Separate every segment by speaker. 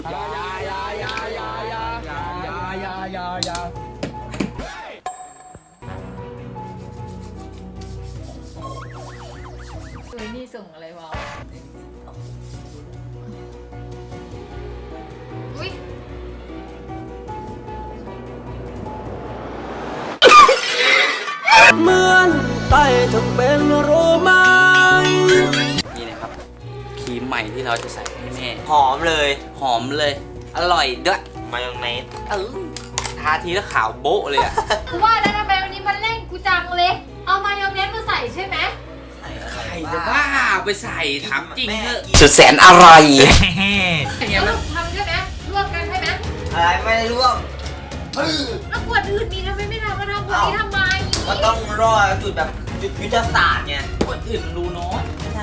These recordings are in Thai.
Speaker 1: อย่า
Speaker 2: เฮ้ยนี่ส่งอะไรวะอุ้ย
Speaker 3: เหมือนใต้ทั้งเป็นโรไม้
Speaker 4: นี่นะครับครีมใหม่ที่เราจะใส่ให้แม่
Speaker 1: หอมเลย
Speaker 4: หอมเลย อร่อยด้วย
Speaker 1: มายองเนส
Speaker 4: ทาทีแล้วขาวโบ๊ะเลยอะ
Speaker 2: กูว่าแล้วทำไมวันนี้มันเร่งกูจังเลย เอามายองเนสมาใส่ใช่ไหม
Speaker 4: ใครจะบ้าไปใส่ถามจริงเถอะ
Speaker 3: สุดแสนอร่อย
Speaker 2: แล้วทำใช่ไหมลวกกันใช่ไหม
Speaker 1: อะไรไม่ได้ร่วม
Speaker 2: แล้วขวดอื่นมีทำไมไม่ทำมาทำขวดนี้ทำไม
Speaker 1: ก็ต้องรอจุดแบบจุดยุทธศาสตร์ไง
Speaker 4: คนอื่นมันรู้น้อย
Speaker 1: ใช่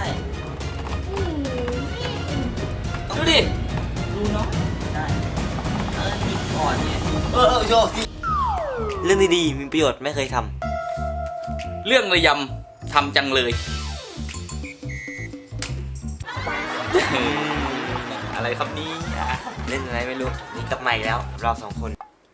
Speaker 4: ดูดิรู้น้อย
Speaker 1: ใช่หยิบก่อนไงโชว์สิเรื่องดีๆมีประโยชน์ไม่เคยท
Speaker 4: เรื่องระยำทำจังเลย อะไรครับนี่
Speaker 1: ำเล่นอะไรไม่รู้นี่กลับมาอีกแล้วเราสองคน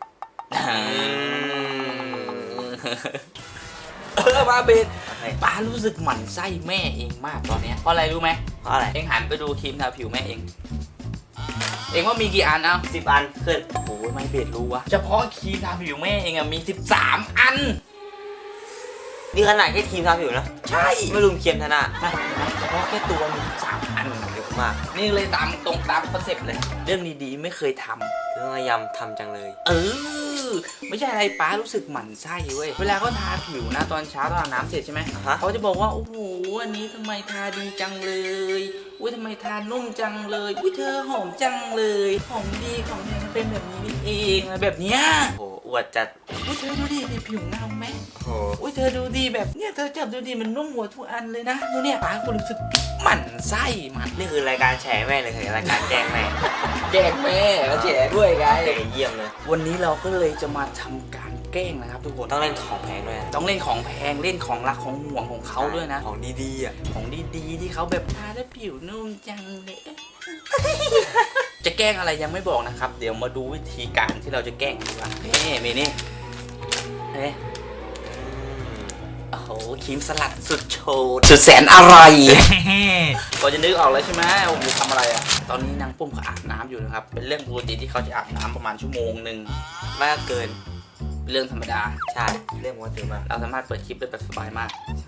Speaker 4: มาเบส
Speaker 1: โอเค
Speaker 4: ป้ารู้สึกหมั่นไส้แม่เองมากตอนเนี้ยเพราะอะไรรู้ไหม
Speaker 1: เพราะอะไร
Speaker 4: เองหันไปดูครีมทาผิวแม่เอง เองว่ามีกี่อันเอา
Speaker 1: 10 อันขึ้น
Speaker 4: โอ้ยไม่เบสรู้วะเฉพาะครีมทาผิวแม่เองอะมี13 อัน
Speaker 1: นี่ขนาดแค่ทีมทำอยู่นะ
Speaker 4: ใช่
Speaker 1: ไม่รวมเคียมธนา
Speaker 4: เฉพาะแค่ตัวมี13 อัน
Speaker 1: เยอะมาก
Speaker 4: นี่เลยตามตรงตามคอนเซ็ปต์เลย เรื่องดีๆไม่เคยทำ
Speaker 1: เรื่องระยำทำจังเลย
Speaker 4: ไม่ใช่อะไรป้ารู้สึกหมั่นไส้เว้ยเวลาเขาทาผิวนะตอนเช้าตอนอาบน้ำเสร็จใช่ไหม
Speaker 1: ฮะ
Speaker 4: เขาจะบอกว่าโอ้โหอันนี้ทำไมทาดีจังเลยอุ้ยทำไมทานุ่มจังเลยอุ้ยเธอหอมจังเลยของดีของเธอมันเป็นแบบนี้นี่เองอะไรแบบเนี้ย
Speaker 1: โอ้โหอวดจัด
Speaker 4: อุ้ยเธอดูดิผิวเงาไหม
Speaker 1: โอ้โห
Speaker 4: อุ้ยเธอดูดีแบบเนี้ยเธอจับดูดีมันนุ่มหัวทุกอันเลยนะดูเนี่ยป้าก็รู้สึกหมั่นไส้มัน
Speaker 1: นี่คือรายการแฉแม่เลยคือรายการแกล้งแม่
Speaker 4: แกล้งแม่แล้วแฉด้วยไง
Speaker 1: เยี่ยมเลย
Speaker 4: วันนี้เราก็เลยจะมาทำการแกล้งนะครับทุกคน
Speaker 1: ต้องเล่นของแพงด้วยนะ
Speaker 4: ต้องเล่นของแพงเล่นของรักของห่วงของเขาด้วยนะ
Speaker 1: ของดีๆอ่ะ
Speaker 4: ของดีๆที่เขาแบบทาแล้วผิวนุ่มจังเลย จะแกล้งอะไรยังไม่บอกนะครับ เดี๋ยวมาดูวิธีการที่เราจะแกล้งดีกว่านี่เมนี่เฮ้โอ้โหครีมสลัดสุดโชด
Speaker 3: สุดแสนอร่อย
Speaker 4: พอจะนึกออกแล้วใช่ไหมว่าผมทำอะไรอ่ะตอนนี้นางปุ้มเขาอาบน้ำอยู่นะครับเป็นเรื่องปกติที่เขาจะอาบน้ำประมาณชั่วโมงหนึ่ง
Speaker 1: มากเกิน
Speaker 4: เป็นเรื่องธรรมดา
Speaker 1: ใช่ เรื่องว่าตื่นมาก
Speaker 4: เราสามารถเปิดคลิปได้แบบสบายมาก
Speaker 1: ใช่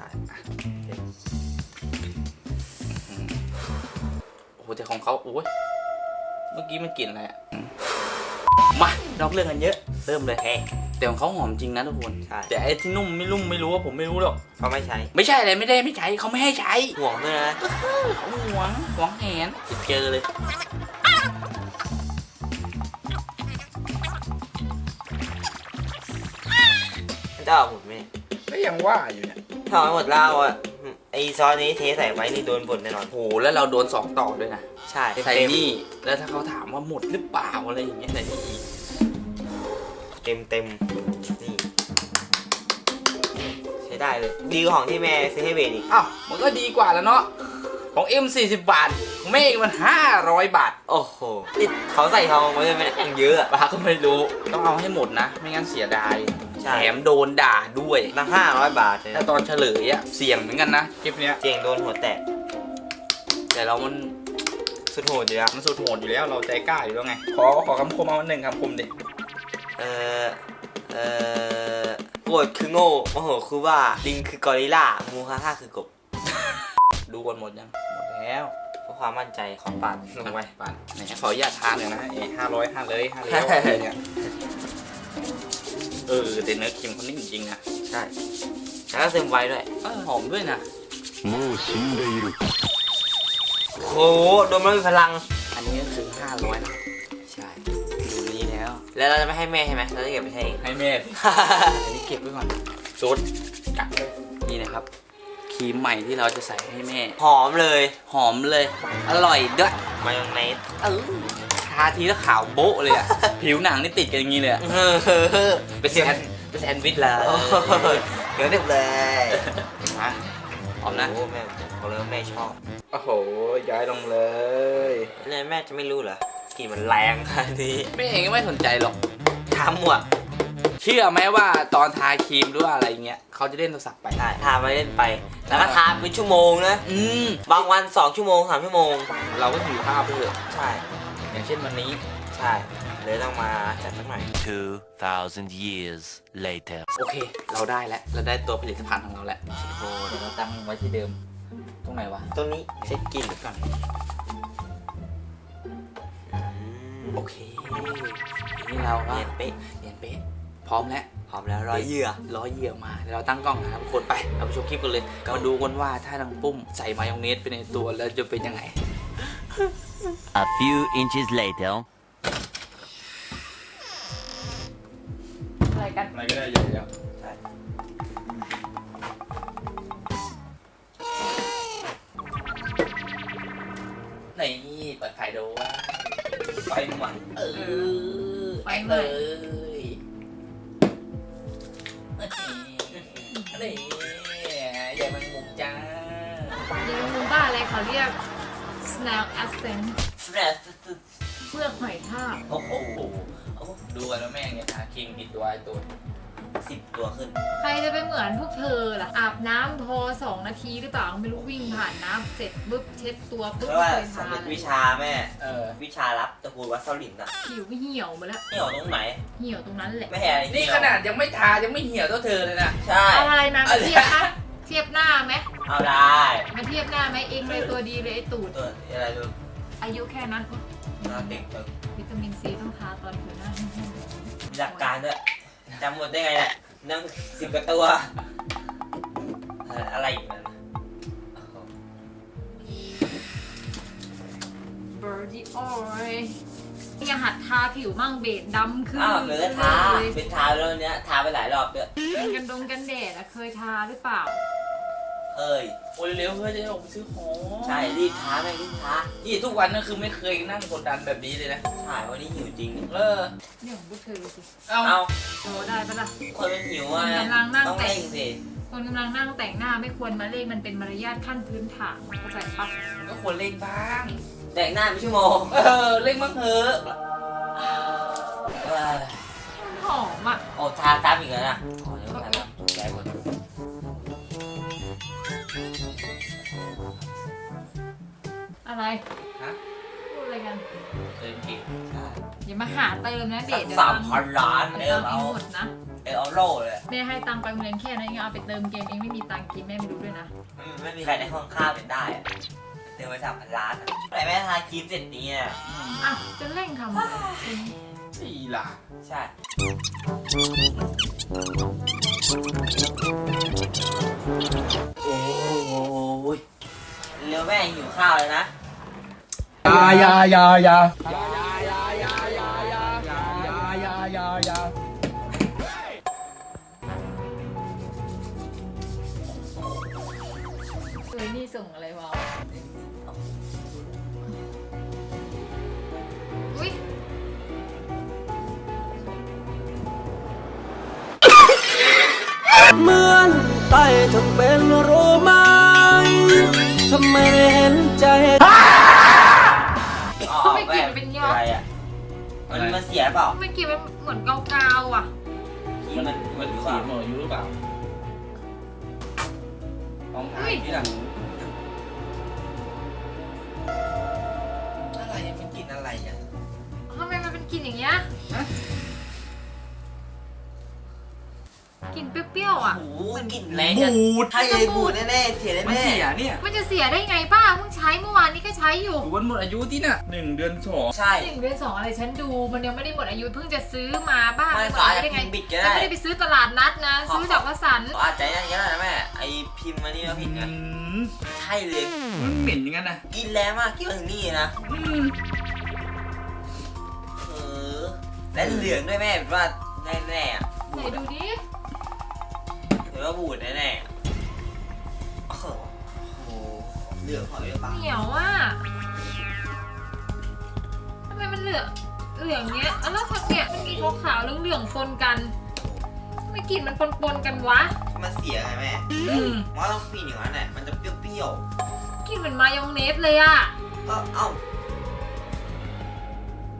Speaker 4: โอ้โหแต่ของเขาโอ้ยเมื่อกี้มันกลิ่นอะไรอะมาเราเรื่องกันเยอะ
Speaker 1: เริ่มเลยแฮะ
Speaker 4: แต่ของเขาหอมจริงนะทุกคน
Speaker 1: ใช่
Speaker 4: แต่ไอ้ที่นุ่มไม่รู้ว่าผมไม่รู้หรอก
Speaker 1: เขาไม่ใช้
Speaker 4: ไม่ใช่อะไรไม่ใช้เขาไม่ให้ใช้
Speaker 1: ห่วงด้วยนะ
Speaker 4: เขาหวงแหนเจอเลย
Speaker 1: จะเอาหมดไหม
Speaker 4: ก็ยังว่าอยู่เนี่ย
Speaker 1: ถ้าเอาหมดแล้วอ่ะไอซอสนี้เทใส่ไว้นี่โดนบ่นแน่นอน
Speaker 4: โอ้โหแล้วเราโดน2 ต่อด้วยนะ
Speaker 1: ใช่
Speaker 4: ใส่นี่แล้วถ้าเขาถามว่าหมดหรือเปล่าอะไรอย่างเงี้ยใส่นี่อีก
Speaker 1: เต็มนี่ใช้ได้เลย ดีกว่าของที่แม่ซื้อให้เบนอีก
Speaker 4: อ้าวมันก็ดีกว่าแล้วเนาะของเอ็ม40 บาทของแม่มัน500 บาท
Speaker 1: โอ้โหนี่เขาใส่ทองไว้ด้วยไหมอย่างเยอะอะ
Speaker 4: ป้าก็ไม่รู้ต้องเอาให้หมดนะ ไม่งั้นเสียดาย
Speaker 1: ใช่
Speaker 4: แถมโดนด่าด้วย
Speaker 1: ตั้ง500 บาทเลย
Speaker 4: ถ้า
Speaker 1: นะ
Speaker 4: ตอนเฉลยอะเสี่ยงเหมือนกันนะคลิปเนี้ย
Speaker 1: เจียงโดนหัวแตก
Speaker 4: แต่เรามัน
Speaker 1: สุดโหดอยู่แล้ว
Speaker 4: มันสุดโหดอยู่แล้วเราใจกล้าอยู่แล้วไงขอคำคมเอา1 คำคมดิ
Speaker 1: โกรธคือโง่โมโหคือว่าลิงคือกอริลลามูฮาฮ่าคือกบ
Speaker 4: ดูกันหมดยังหมดแล้ว
Speaker 1: เพื่อความมั่นใจขอปัดลงไป
Speaker 4: ปั่นไหนขออนุญาตทานหน่อยนะ500เลย5แล้วอะไรเนี่ยแต่เนื้อครีมเขานิ่มจริงๆนะ
Speaker 1: ใช่แล้วก็ซึมไว้ด้วย
Speaker 4: หอมด้วยนะ
Speaker 1: โอ้โหโดนมันมีพลัง
Speaker 4: อันนี้ก็คือ500นะ
Speaker 1: ใช่
Speaker 4: ดูนี้แล้ว
Speaker 1: แล้วเราจะไม่ให้แม่ใช่ไหมเราจะเก็บไปใช้เอง
Speaker 4: ให้แม่สิ อันนี้เก็บไว้ก่อนโจดกักเลยนี่นะครับครีมใหม่ที่เราจะใส่ให้แม่
Speaker 1: หอมเลย
Speaker 4: หอมเลย อร่อยด้วย
Speaker 1: มายองเนส
Speaker 4: ทาทีแล้วขาวโบ๊ะเลยอะ ผิวหนังนี่ติดกันอย่างนี้เลยอะเป็นแซนด์วิชเลย
Speaker 1: เดี๋ยวเด็บเลย
Speaker 4: มาหอมนะ
Speaker 1: โอ้แม่บอกเลยว่าแม่ชอบ
Speaker 4: โอ้โหย้ายลงเลย
Speaker 1: แล้วแม่จะไม่รู้เหรอกลิ่นมันแรงอันนี้
Speaker 4: แม่เองก็ไม่สนใจหรอก
Speaker 1: ทำหมด
Speaker 4: เชื่อไหมว่าตอนทาครีมหรือว่าอะไรเงี้ยเขาจะเล่นโทรศัพท์ไป
Speaker 1: ใช่ทาไปเล่นไป แล้วก็ทาเป็นชั่วโมงนะ บางวัน2 ชั่วโมง3 ชั่วโมง
Speaker 4: เราก็ถือภาพไปเถอะ
Speaker 1: ใช่
Speaker 4: อย่างเช่นวันนี้
Speaker 1: ใช่เลยต้องมาจัดสักหน่อย
Speaker 3: 2,000 years later
Speaker 4: โอเค เราได้แล้วเราได้ตัวผลิตภัณฑ์ของเราแล้วโอ้เดี๋ยวเราตั้งไว้ที่เดิมตรงไหนวะ
Speaker 1: ตรงนี้เช็คกลิ่น
Speaker 4: ก่อนโอเคนี่เราก็
Speaker 1: เนียนเป๊ะ
Speaker 4: เนียนเป๊ะพร้อมแล้ว
Speaker 1: หอมแล้วร้อยเหยื่อ
Speaker 4: ร้อยเหยื่อมาเดี๋ยวเราตั้งกล้องนะครับทุกคนไปเราไปชมคลิปกันเลยมาดูกันว่าถ้าทางปุ้มใส่มายองเนสไปในตัวแล้วจะเป็นยังไง
Speaker 3: A few inches later
Speaker 2: อะไรกัน
Speaker 4: อะไรก็ได้ใหญ่แล้ว
Speaker 1: ใช่
Speaker 4: นี่เปิดไฟดูว่าไฟใหม่
Speaker 2: ไฟใหม่
Speaker 4: เลยนี่อย่ามันมุมจ้า
Speaker 2: ยังรู้บ้าอะไรเขาเรียก snail accent เปลือกหอยทาก
Speaker 1: โอ้โห
Speaker 4: ดูกันว่าแม่งเนี่ยทาครีมผิดตัวไอ้ตัว
Speaker 1: 10 ตัวขึ้น
Speaker 2: ใครจะไปเหมือนพวกเธอล่ะ อาบน้ำพอ2 นาทีหรือเปล่าไม่รู้วิ่งผ่านน้ำเสร็จปุ๊บเช็ดตัวปุ๊บ
Speaker 1: เพราะว่า
Speaker 2: เคย
Speaker 1: สำ
Speaker 2: ทา
Speaker 1: เร็จ
Speaker 2: เลย
Speaker 1: วิชาแม่ วิชารับตระกูลวัดเซาหลินอ่ะ
Speaker 2: ผิวเหี่ยวหมาแล้ว
Speaker 1: นี่ออกตรงไหน
Speaker 2: เหี่ยวตรงนั้นแหละ
Speaker 1: ไม่เห็นอะไร
Speaker 4: นี่ขนาดยังไม่ทายังไม่เหี่ยวเท่าเธอเลยนะ
Speaker 1: ใช่
Speaker 2: เอาอะไรมาเทียบนะเทียบหน้าไหม
Speaker 1: เอาได้
Speaker 2: มาเทียบหน้าไหมเองเลยตัวดีเลยไอ้ตูด
Speaker 1: ตัวอะไรดู
Speaker 2: อายุแค่นั้น
Speaker 1: หน้าเด็กจัง
Speaker 2: วิตามินซีต้องทาตอนผิวหน้าแห้ง
Speaker 1: มีหลักการด้วยจำหมดได้ไงเนี่ยนั่ง10 กว่าตัวอะไรอีกนั่น
Speaker 2: เบอร์ดี้ออยยังหัดทาผิวมั่งเบดดำขึ้น
Speaker 1: อ้าวเหลือทา
Speaker 2: เลย
Speaker 1: เป็นทาแล้วเนี้ยทาไปหลายรอบด้วย
Speaker 2: กันดงกันแดดอะเคยทาหรือเปล่า
Speaker 1: เอ้ย
Speaker 4: โอ้ยเร็วเพื่อจะได้ออกไปซื้อของ
Speaker 1: ใช่รีบทาแม่งรีบทา
Speaker 4: นี่ทุกวันนั่นคือไม่เคยนั่งกดดันแบบนี้เลยนะ
Speaker 1: ใช่วันนี้หิวจริง
Speaker 2: เนี่ยของพวกเธอสิ
Speaker 4: เอา
Speaker 1: เอา
Speaker 2: โตได้ปะล่ะ
Speaker 1: คนมันหิวอ่ะ
Speaker 2: กำลังนั่ง
Speaker 1: ต้อง
Speaker 2: แต่
Speaker 1: เร่
Speaker 2: ง
Speaker 1: งสิ
Speaker 2: คนกำลังนั่งแต่งหน้าไม่ควรมาเล่นมันเป็นมารยาทขั้นพื้นฐานเข้าใจปะ
Speaker 4: ก็ควรเล่งบ้าง
Speaker 1: แต่งหน้าเป็นชั่วโมง
Speaker 4: เล่งบ้างเถอะ
Speaker 1: เอ้ย
Speaker 2: หอมอะ
Speaker 1: โอ้ทาซ้ำอีกแล้วนะอ๋อเดี๋ยวทาซ้ำแย่หมด
Speaker 2: อะไร
Speaker 4: ฮะ
Speaker 2: พูดอะไรกัน
Speaker 4: เติมกิน
Speaker 1: ใช่
Speaker 2: อย่ามาหาเติมนะเด
Speaker 1: สั
Speaker 2: ท
Speaker 1: ก
Speaker 2: เดี๋ยว
Speaker 1: 3,000 ล้าน
Speaker 2: ตัง
Speaker 1: เดี๋ยว
Speaker 2: ค์เอ
Speaker 1: เอา
Speaker 2: งหมดนะ
Speaker 1: เอาโล่เลย
Speaker 2: แม่ให้ตังค์ไปโรงเรียนแค่นั้นเองเอาไปเติมเกมเองไม่มีตังค์กินแม่ไม่รู้ด้วยนะ
Speaker 1: ไม่มีใครได้ห้องข้าวเป็นได้อะเติมไป3,000 ล้านอะแต่แม่ทาครีมเสร็จนี้อ่ะ
Speaker 2: อ่ะจะเร่งทำอะไร
Speaker 4: สี่ล่ะ
Speaker 1: ใช่ โอ้ยเร็วแม่หิวข้าวเลยนะ
Speaker 2: เอ้ยนี่ส่งอะไรวะอุ้ย
Speaker 3: เหมือนใต้ทั้งเป็นรู้ไหมทำไมไม่เห็นใจ
Speaker 2: ไม่กลินเป็นยอด
Speaker 1: อะไรอ่ะมันเสียเปล่า
Speaker 2: ไม่กลินมันเหมือนกาวๆอ่ะ
Speaker 1: ครีมมัน
Speaker 4: มัน
Speaker 1: หรือเป
Speaker 4: สี
Speaker 1: ล่า
Speaker 4: หมดอยู่หรือเปล่าลองถ่ายที่หลังอะไรมันกินอะไรอ่ะ
Speaker 2: ทำไมมันเป็นกลิ่นอย่างเงี้ย
Speaker 4: ฮะ
Speaker 2: กลิ่นเปรี้ยวๆอ่ะ
Speaker 1: โอ้โหกลิ่นแรงจัง
Speaker 4: บูด
Speaker 1: ใช่เลยบูดแน่ๆเสีย
Speaker 4: มัน
Speaker 1: แน่
Speaker 4: เสียเนี่ย
Speaker 2: มันจะเสียได้ไงป้าเพิ่งใช้เมื่อวานนี้ก็ใช้อยู่
Speaker 4: วันหมดอายุที่น่ะ1 เดือน
Speaker 1: ๆใช่
Speaker 2: 1 เดือน 2อะไรฉันดูมันยังไม่ได้หมดอายุเพิ่งจะซื้อมาบ้า
Speaker 1: ไม่
Speaker 2: หมด
Speaker 1: สาย
Speaker 2: อายุได้ไง
Speaker 1: พิมพ์บิดก็
Speaker 2: ฉัน
Speaker 1: ได้
Speaker 2: ไม่ได้ไปซื้อตลาดนัดนะ ซื้อจากวสันต์
Speaker 1: อาจจะอย่างนี้นะแม่ไอพิมพ์มานี่มาผิดไงใช่เลย
Speaker 4: มันเหม็นอย่างนั้นนะ
Speaker 1: กินแรงมากกินมาถึงนี่นะและเหลืองด้วยแม่แบบว่าแน่ๆอ่ะ
Speaker 2: ไหนดูดิ
Speaker 1: หรือว่าบูดแน่ๆโอ้โหเหลืองหอยหรือเปล่า
Speaker 2: เหนียวอ่ะทำไมมันเหลืองเงี้ยแล้วทักเนี่ยมันมีขาวๆเหลืองๆปนกันทำไมกลิ่นมันปนๆกันวะ
Speaker 1: มันเสียไงแม่มันต้องปีนอย่างนั้นแหละมันจะเปรี้ยว
Speaker 2: กลิ่นเหมือนมายองเนสเลยอะ
Speaker 1: ๆก็เอ้า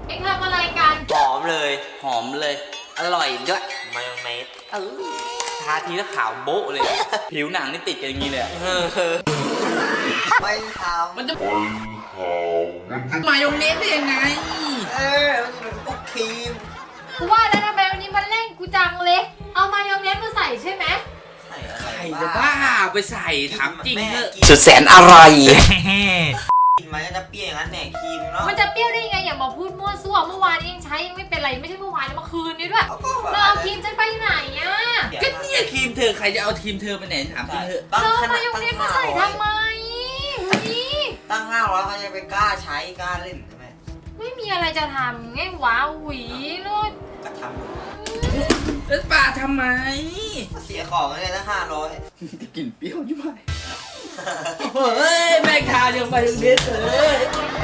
Speaker 2: เอ็งทำอะไรกัน
Speaker 1: หอมเลย
Speaker 4: หอมเลย อร่อยด้วย
Speaker 1: มายองเนส
Speaker 4: ทาทีแล้วขาวโบ๊ะเลย ผิวหนังนี่ติดกันอย่างนี้เลยอะ
Speaker 1: ไม่ท
Speaker 4: มันจะมายองเนสได้ยังไง
Speaker 1: ำมันเป็นพวกครีม
Speaker 2: กูว่าแล้วทำไมวันนี้มันเร่งกูจังเลย เอามายองเนสมาใส่ใช่ไหม
Speaker 1: ใส่อะไร
Speaker 4: ใครจะบ้าไปใส่ถามจริงเถอะ
Speaker 1: กิน
Speaker 4: สุดแสนอร่อย
Speaker 1: กินมันก็จะเปรี้ยวอย่างนั้นแหละครีมเนาะ
Speaker 2: มันจะเปรี้ยวได้ยังไงอย่ามาพูดมั่วซั่วเมื่อวานนี้ยังใช้ยังไม่เป็นไรไม่ใช่เมื่อวานเมื่อคืนนี้ด้วย
Speaker 1: เอาก็
Speaker 2: แล้วเอาครีมฉันไปไหนอ่ะ
Speaker 4: ก็เนี่ยครีมเธอใครจะเอาทีมเธอไปไหนถามจริงเถอะ
Speaker 1: ตั้ง
Speaker 2: เรา
Speaker 1: ข
Speaker 2: มา
Speaker 1: นาด
Speaker 2: ยอง
Speaker 1: ตั้ง
Speaker 2: เนสมาใส่ทำไมนี่
Speaker 1: ตั้ง500เขาจะไปกล้าใช้กล้าเล่นใช่ไหม
Speaker 2: ไม่มีอะไรจะทำไงว้าวหวีนู่น
Speaker 1: ก็ท
Speaker 4: แล้วป่าทำไม
Speaker 1: ำเสียของเลยนะ500
Speaker 4: จะกินเปรี้ยวยิ่งไปเฮ้ยแม่งทายังมายองเนสเลย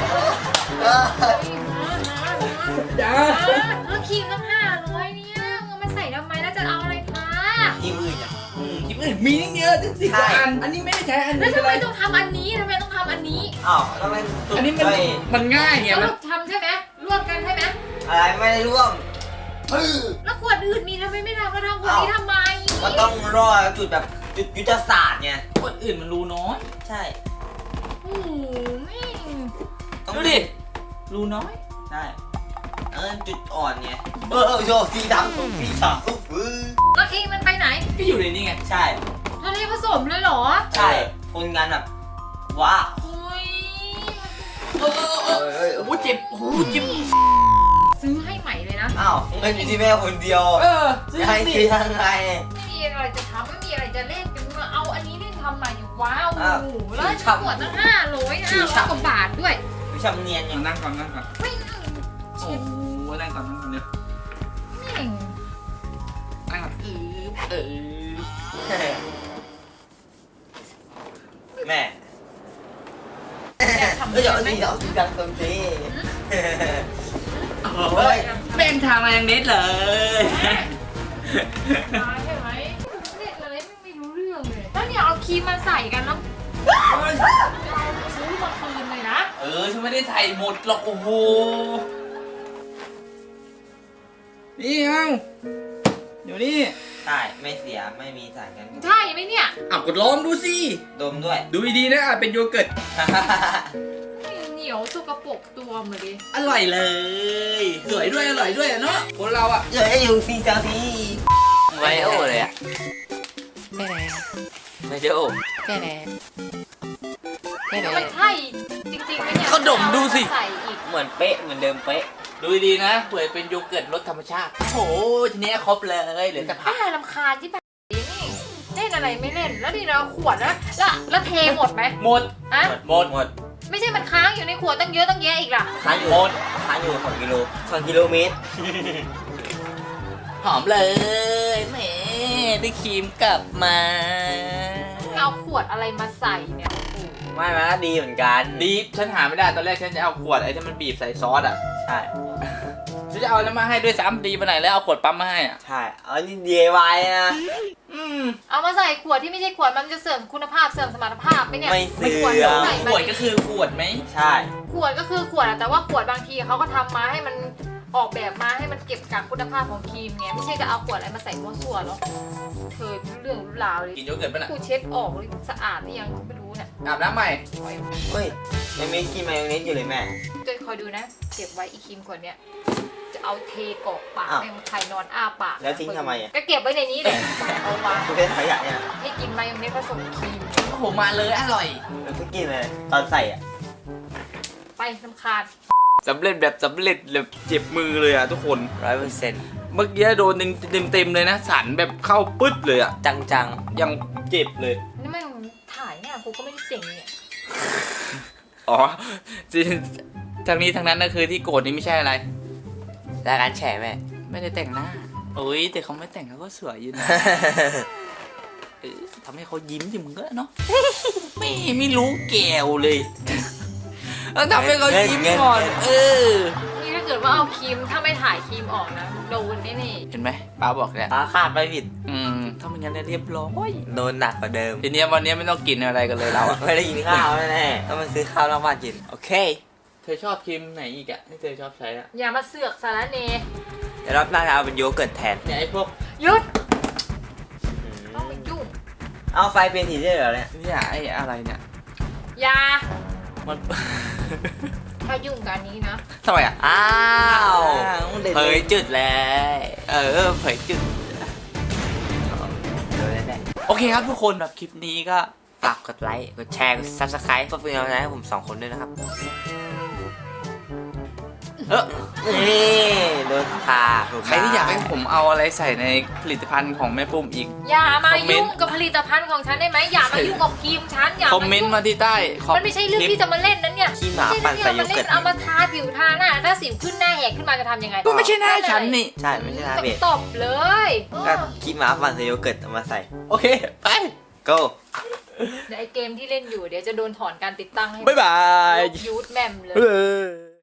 Speaker 4: จ้า
Speaker 2: แล้วครีมตั้ง500เนี่ยเอามาใส่ทำไมแล้วจะเอาอะไรทา
Speaker 1: ที่มืดอ่ะ
Speaker 4: คลิปอื่นมีตั้งเยอะตั้ง10
Speaker 1: ใช่
Speaker 4: อันอันนี้ไม่ได้ใช้อัน
Speaker 2: แล้ว
Speaker 4: นี้
Speaker 2: ทำ
Speaker 4: อะไร
Speaker 2: ไมต้องทำอันนี้ทำไมต้องทำอันนี้
Speaker 1: อ้าวแล้วมัน
Speaker 4: อันนี้มันง่ายไง
Speaker 2: ส
Speaker 4: มัน
Speaker 2: รุปทำใช่ไหมร่วมกันใช่ไหม
Speaker 1: อะไรไม่ได้ร่วม
Speaker 2: แล้วขวดอื่นมีทำไมไม่ทำแล้วทำขวดนี้ทำไม
Speaker 1: ก็ต้องรอจุดแบบจุดยุทธศาสตร์ไง
Speaker 4: คนอื่นมันรู้น้อย
Speaker 1: ใช่
Speaker 2: โอ้โหแม่ง
Speaker 1: ต้อง
Speaker 4: ดูดิรู้น้อย
Speaker 1: ใช่จุดอ่อนไงโชว์สีดำสีฉ่ำปุ๊บฟื้น
Speaker 2: แล้วครีมมันไปไหน
Speaker 4: ก็อยู่ในนี้ไง
Speaker 1: ใช่
Speaker 2: ทะเลผสมเลยเหรอ
Speaker 1: ใช่คนงานแบบว้าว
Speaker 2: อุ้ย
Speaker 4: โอ้โหเจ็บโอ้โหเจ็บ
Speaker 2: ซื้อให้ใหม่เลยนะ
Speaker 1: อ้าวเงินอยู่ที่แม่คนเดียว
Speaker 4: ซื้อ
Speaker 1: จะให้
Speaker 4: สิ
Speaker 1: ซื้อยังไง
Speaker 2: ไม่มีอะไรจะทำไม่มีอะไรจะเล่นจะมาเอาอันนี้เล่นทำใหม่ว้าว
Speaker 1: อ้าว
Speaker 2: แล้วขวดตั้ง500กว่าบาทด้วย
Speaker 1: ดูชำเนียนอย่าง
Speaker 4: นั่งก่อนนั่งก่อน
Speaker 2: ไม่
Speaker 4: โอ้โหนั่งก่อนนั่งก่อนเดี๋ยว
Speaker 2: แม่ง
Speaker 4: นั่งก่อน
Speaker 1: แม่
Speaker 2: อยากทำ
Speaker 1: เดี๋ยว
Speaker 2: ไหม
Speaker 1: เอาสีดำตรงนี้
Speaker 4: เฮ้ยแม่งทางมาอย่างนิดเลย
Speaker 2: มาใช่ไหมเล่นอะไรไม่รู้เรื่องเลยแล้วเนี่ยเอาครีมมาใส่กันแล้วซื้อมาคืนเลยนะ
Speaker 4: ฉันไม่ได้ใส่หมดหรอกโอ้โหนี่เอาเดี๋ยวนี้
Speaker 1: ใช่ไม่เสียไม่มีสารกันบูด
Speaker 2: ใช่ไหมเนี่ย
Speaker 4: กดลองดูสิ
Speaker 1: ดมด้วย
Speaker 4: ดูดีๆนะเป็นโยเกิร์ต
Speaker 2: เหนียวสกปรกตัวหมาดิ
Speaker 4: อร่อยเลย สวยด้วยอร่อยด้วยเนาะคนเราอ่ะ
Speaker 1: เดี๋ยวให้อยู่ซีเซลซี
Speaker 4: ไวโอเลยอ่ะไม่ได้โอแค่ไหน
Speaker 2: มันใช่จริงๆไหมเนี่ย
Speaker 4: เขาดมดูสิ
Speaker 2: ใส่อีก
Speaker 1: เหมือนเป๊ะเหมือนเดิมเป๊ะ
Speaker 4: ดูดีๆนะเผื่อเป็นโยเกิร์ตรสธรรมชาติโอ้โหทีนี้ครบเลยเหลือแต่ผัก
Speaker 2: รำคาญที่แบบนี่เล่นอะไรไม่เล่นแล้วนี่เราขวดแล้วเทหมดไหม
Speaker 4: หมด
Speaker 2: อะ
Speaker 1: หมด
Speaker 2: ไม่ใช่มันค้างอยู่ในขวดตั้งเยอะตั้งแยะอีกล่ะ
Speaker 1: ค้างอยู่2 กิโล2 กิโลเมตร
Speaker 4: หอมเลยแหมได้ครีมกลับมา
Speaker 2: เอาขวดอะไรมาใส่เนี่ย
Speaker 1: ไม่มาดีเหมือนกัน
Speaker 4: ดีฟฉันหาไม่ได้ตอนแรกฉันจะเอาขวดไอ้ที่มันบีบใส่ซอสอ่ะ
Speaker 1: ใช่
Speaker 4: ฉันจะเอาน้ำมาให้ด้วยซ้ำดีไปไหนแล้วเอาขวดปั๊มมาให้อ่ะ
Speaker 1: ใช่เอานี่ DIY นะ
Speaker 2: เอามาใส่ขวดที่ไม่ใช่ขวดมันจะเสริมคุณภาพเสริมสมรรถภาพไปเนี่ย
Speaker 1: ไม่เสื่
Speaker 2: ขวด
Speaker 1: อม
Speaker 2: ใส่
Speaker 4: ข
Speaker 2: มาว
Speaker 4: ดก็คือขวดไหม
Speaker 1: ใช่
Speaker 2: ขวดก็คือขวดอะแต่ว่าขวดบางทีเขาก็ทำมาให้มันออกแบบมาให้มันเก็บกักคุณภาพของครีมไงไม่ใช่จะเอาขวดอะไรมาใส่มั่วซั่วหรอกเธอเรื่องรู้ราวเลย
Speaker 4: กินโยเกิร์ตป่ะน่ะ
Speaker 2: กูเช็ดออกเลยสะอาดหรือยังไม่รู้เนี่ย
Speaker 4: อาบน้ำใหม่
Speaker 1: เฮ้ยยังไม่กินมายองเนสอยู่เลยแม่
Speaker 2: จะคอยดูนะ เก็บไว้อีครีมขวดเนี้ยจะเอาเทกรอกปาก
Speaker 1: อ้าว
Speaker 2: แม่งใครนอนอ้าปาก
Speaker 1: แล้วทิ้งทำไมอะ
Speaker 2: ก็เก็บไว้ในนี้เลยเอาวาง
Speaker 1: คุณเป็นขยะเนี่ย
Speaker 2: ให้กินมายองเนสผสมครีม
Speaker 4: โอ้โหมาเลยอร่อย
Speaker 1: แล้วก็กินเลยตอนใส่อ่ะ
Speaker 2: ไปน้ำคาญ
Speaker 4: สำเร็จแบบสำเร็จแบบเจ็บมือเลยอ่ะทุกคน
Speaker 1: 100%
Speaker 4: เมื่อกี้โดนเต็มเลยนะสันแบบเข้าปึ๊ดเลยอ่ะ
Speaker 1: จัง
Speaker 4: ยังเจ็บเลย
Speaker 2: นี่มันถ่ายเนี่ยกูก็ไม่ได้เจ๋งเนี่ย
Speaker 4: อ๋อจริงทางนี้ทางนั้นก็คือที่โกรธนี่ไม่ใช่อะไร
Speaker 1: ๆรายการแฉแม่
Speaker 4: ไม่ได้แต่งหน้าโอ้ยแต่เขาไม่แต่งเขาก็สวยอยู่นะทำให้เขายิ้มสิมึงก็เนาะ ไม่รู้แก้วเลยแล้วทำให้เขายิ้มก่อน
Speaker 2: นี่ถ้าเกิดว่าเอาครีมถ้าไม่ถ่ายครีมออกนะโดนแน่
Speaker 4: เห็นไหมป้าบอกเนี่ย
Speaker 1: ตาขาดไม่ผิด
Speaker 4: ถ้าไม่งั้นเนี่ยเรียบร้อย
Speaker 1: โดนหนักกว่าเดิม
Speaker 4: ทีเนี้ยวันนี้ไม่ต้องกินอะไรกันเลยเราอะ
Speaker 1: ไม่ได้กินข้าวแน่ๆต้องมาซื้อข้าวนอกบ้านกิน โอเค
Speaker 4: เธอชอบครีมไหนอีกอะที่เธอชอบใช้อะ
Speaker 2: อย่ามาเสือกสารเน
Speaker 1: เดี๋ยวรอบหน้าจะเอาเป็นโยเกิร์ตแทน
Speaker 4: เนี่ยไอ้พวก
Speaker 2: หยุดต้องไปยุ่ง
Speaker 1: เอาไฟเป็นสีได้เหรอเนี่ย
Speaker 4: เนี่ยไอ้อะไรเนี่ย
Speaker 2: อย่า
Speaker 4: มัน
Speaker 2: ถ้ายุ่งกันนี้นะ
Speaker 4: ทำไมอะ
Speaker 1: อ้าว
Speaker 4: เผยจุดแล้ว
Speaker 1: เผยจุดเดี๋ยวได้
Speaker 4: โอเคครับทุกคนแบบคลิปนี้ก็
Speaker 1: ฝากกดไลค์ กดแชร์ กด subscribe เพื่อเป็นกำลังใจให้ผม2 คนด้วยนะครับ นี่โดนพาถูก
Speaker 4: ใครที่อยากให้ผมเอาอะไรใส่ในผลิตภัณฑ์ของแม่ปุ้มอีก
Speaker 2: อย่ามา
Speaker 4: คอมเมนต์
Speaker 2: ยุ่งกับผลิตภัณฑ์ของฉันได้ไหมอย่ามายุ่งกับครีมฉันอย่า
Speaker 4: คอมเมนต์มาที่ใต้
Speaker 2: มันไม่ใช่เรื่องที่จะมาเล่นนั้นเนี่ย
Speaker 1: ขี้หมาปั่นใส่โย
Speaker 2: มัน
Speaker 1: เกิ
Speaker 2: เล่
Speaker 1: ร์
Speaker 2: น
Speaker 1: ต
Speaker 2: เอามาทาผิวทาหน้าถ้าสิวขึ้นหน้าแหกขึ้นมาจะทำยังไง
Speaker 4: ก็ไม่ใช่หน้าฉันนี่
Speaker 1: ใช่ ไม่ใช่ท่าเบส
Speaker 2: ตบเลย
Speaker 1: ก็ขี้หมาปั่นใส่โยเกิร์ตเอามาใส่
Speaker 4: โอเค ไป
Speaker 1: go
Speaker 2: เดี๋ยวไอเกมที่เล่นอยู่เดี๋ยวจะโดนถอนการติดตั้งให้
Speaker 4: บ๊ายบาย
Speaker 2: ลบยูทแมมเลย
Speaker 4: เออ